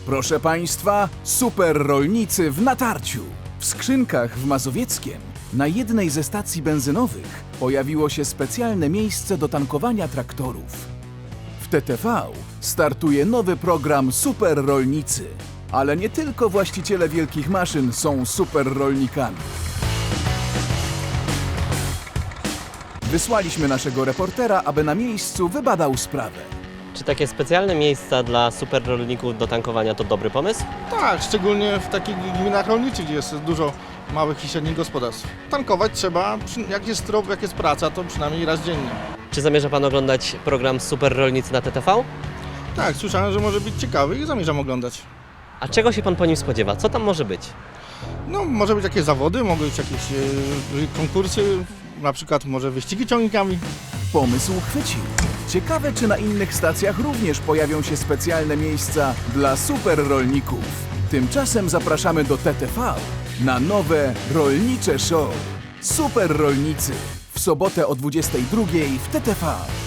Proszę Państwa, super rolnicy w natarciu. W Skrzynkach w Mazowieckiem na jednej ze stacji benzynowych pojawiło się specjalne miejsce do tankowania traktorów. W TTV startuje nowy program Super Rolnicy. Ale nie tylko właściciele wielkich maszyn są super rolnikami. Wysłaliśmy naszego reportera, aby na miejscu wybadał sprawę. Czy takie specjalne miejsca dla superrolników do tankowania to dobry pomysł? Tak, szczególnie w takich gminach rolniczych, gdzie jest dużo małych i średnich gospodarstw. Tankować trzeba, jak jest trop, jak jest praca, to przynajmniej raz dziennie. Czy zamierza Pan oglądać program Superrolnicy na TTV? Tak, słyszałem, że może być ciekawy i zamierzam oglądać. A czego się Pan po nim spodziewa? Co tam może być? No, może być jakieś zawody, mogą być jakieś konkursy, na przykład może wyścigi ciągnikami. Pomysł chwycił. Ciekawe, czy na innych stacjach również pojawią się specjalne miejsca dla super rolników. Tymczasem zapraszamy do TTV na nowe rolnicze show. Super Rolnicy w sobotę o 22:00 w TTV.